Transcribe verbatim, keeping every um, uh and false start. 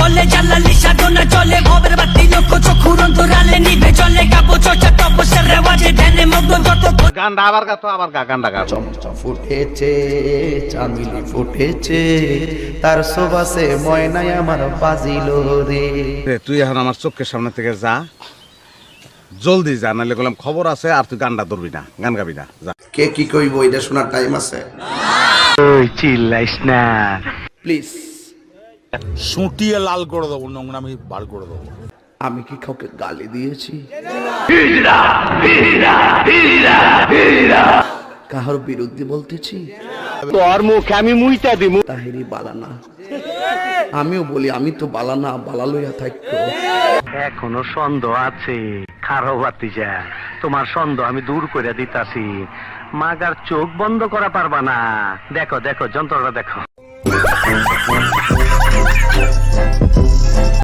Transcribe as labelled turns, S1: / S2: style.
S1: বলে জালালি সাধনা চলে ভবের বাতি লক্ষ চক্ষুর অন্তরালে নিভে চলে কাব্য চর্চা তপস্যার রেওয়াজে ধ্যানে মগ্ন যত
S2: গানটা আবার গা তো আবার গা গানটা গা
S3: চমচম ফুটেছে চামিলি ফুটেছে তার সোবাসে ময়নাই আমার বাজিল রে।
S2: তুই এখন আমার চোখের সামনে থেকে যা, জলদি যা, নাহলে বললাম খবর আছে আর তুই গানটা ধরবি না, গান গাবি না, যা।
S3: কে কি কইব এটা শোনার টাইম আছে?
S4: ওই চিল্লাইস না
S3: প্লিজ।
S5: সুটিয়ে লাল করে দেবো, নোংরামি বার করে দেবো।
S3: আমি কি কাউকে গালি দিয়েছি? কাহার বিরুদ্ধে বলতেছি?
S4: তোর মুখে আমি মুইতা দিমু।
S3: তাহিরি বালানা, আমিও বলি আমি তো বালানা, বালা লইয়া থাকতো।
S4: এখনো সন্দেহ আছে, খারো বাতিজা, তোমার সন্দেহ আমি দূর করে দিতাছি। মাগার চোখ বন্ধ করা পারবা না। দেখো দেখো যন্ত্রটা দেখো।